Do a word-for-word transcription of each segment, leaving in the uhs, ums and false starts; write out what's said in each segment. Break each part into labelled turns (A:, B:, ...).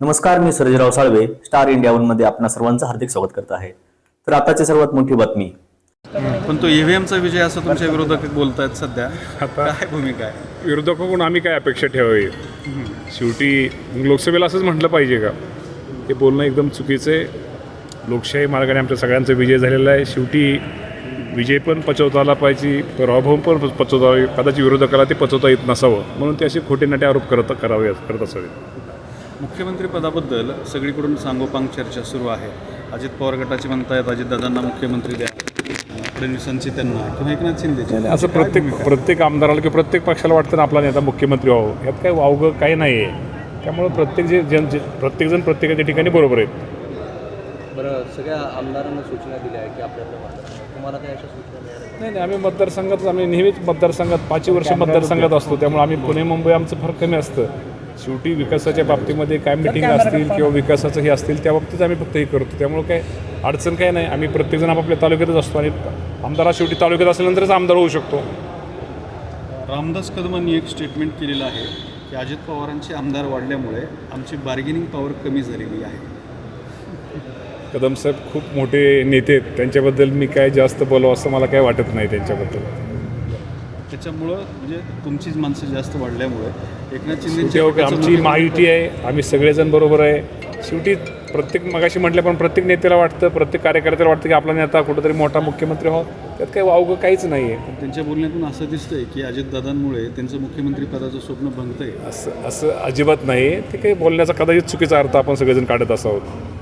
A: नमस्कार, मी Sarjerao Salve Star India One मध्ये आपणा सर्वांचं हार्दिक स्वागत करत आहे। तर आताची सर्वात मोठी बातमी,
B: पण तो ईव्हीएमचा विजय असं तुमच्या विरोधक बोलतायत सध्या, आता काय भूमिका आहे?
C: विरोधकाकडून आम्ही काय अपेक्षा ठेवावी? शेवटी लोकसभेला असंच म्हटलं पाहिजे का? हे बोलणं एकदम चुकीचं आहे। लोकशाही मार्गाने आमच्या सगळ्यांचा विजय झालेला आहे। शेवटी विजय पण पचवता आला पाहिजे, पराभव पण पचवता, कदाचित विरोधकाला ते पचवता येत नसावं म्हणून ते असे खोटे नाटे आरोप करत करावे करत असावे।
B: मुख्यमंत्री पदाबद्दल सगळीकडून सांगोपांग चर्चा सुरू आहे। अजित पवार गटाचे म्हणतायत अजितदादांना मुख्यमंत्री द्या, फडणवीसांची त्यांना, किंवा एकनाथ शिंदेचे।
C: असं प्रत्येक प्रत्येक आमदाराला किंवा प्रत्येक पक्षाला वाटतं ना आपला नेता मुख्यमंत्री व्हावं, यात काही वावगं काही नाही आहे। त्यामुळे प्रत्येक जे जन प्रत्येकजण प्रत्येकाच्या ठिकाणी बरोबर आहेत।
D: बरं, सगळ्या आमदारांना सूचना दिल्या आहे की आपल्याला तुम्हाला काही अशा सूचना मिळाल्या?
C: नाही नाही, आम्ही मतदारसंघात आम्ही नेहमीच मतदारसंघात पाचही वर्ष मतदारसंघात असतो, त्यामुळे आम्ही पुणे मुंबई आमचं फार कमी असतं। शेवटी विकासाच्या बाबतीमध्ये काय मिटिंग असतील किंवा विकासाचं हे असतील त्या बाबतीत आम्ही फक्त हे करतो, त्यामुळे काय अडचण काय नाही। आम्ही प्रत्येकजण आपापल्या तालुक्यातच असतो आणि आमदार शेवटी तालुक्यात असल्यानंतरच आमदार होऊ शकतो।
B: रामदास कदमांनी एक स्टेटमेंट केलेलं आहे की अजित पवारांचे आमदार वाढल्यामुळे आमची बार्गेनिंग पॉवर कमी झालेली आहे।
C: कदम साहेब खूप मोठे नेते आहेत, त्यांच्याबद्दल मी काय जास्त बोलावं असं मला काय वाटत नाही त्यांच्याबद्दल।
B: त्याच्यामुळं म्हणजे तुमचीच माणसं जास्त वाढल्यामुळे एकनाथ
C: शेवटी
B: शिंदे
C: आमची महायुती आहे, आम्ही सगळेजण बरोबर आहे। शेवटी प्रत्येक मगाशी म्हटलं पण प्रत्येक नेत्याला वाटतं, प्रत्येक कार्यकर्त्याला वाटतं की आपला नेता कुठंतरी मोठा मुख्यमंत्री व्हावा, त्यात काही वावगं काहीच नाही आहे।
B: त्यांच्या बोलण्यातून असं दिसतंय की अजितदादांमुळे त्यांचं मुख्यमंत्री पदाचं स्वप्न भंगतंय।
C: असं असं अजिबात नाही, ते काही बोलण्याचा कदाचित चुकीचा अर्थ आपण सगळेजण काढत असावं।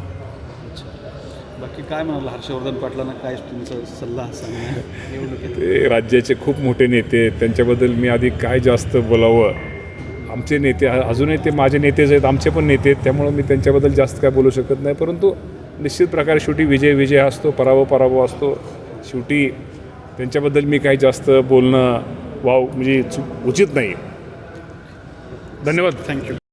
B: बाकी काय म्हणाल हर्षवर्धन पाटलांना काय तुमचा सल्ला सांगणार निवडणुकीत?
C: ते राज्याचे खूप मोठे नेते आहेत, त्यांच्याबद्दल मी आधी काय जास्त बोलावं। आमचे नेते अजूनही ते माझे नेतेच आहेत, आमचे पण नेते आहेत, त्यामुळं मी त्यांच्याबद्दल जास्त काय बोलू शकत नाही। परंतु निश्चित प्रकारे शेवटी विजय विजय असतो, पराभव पराभव असतो। शेवटी त्यांच्याबद्दल मी काही जास्त बोलणं वाव म्हणजे उचित नाही। धन्यवाद, थँक्यू।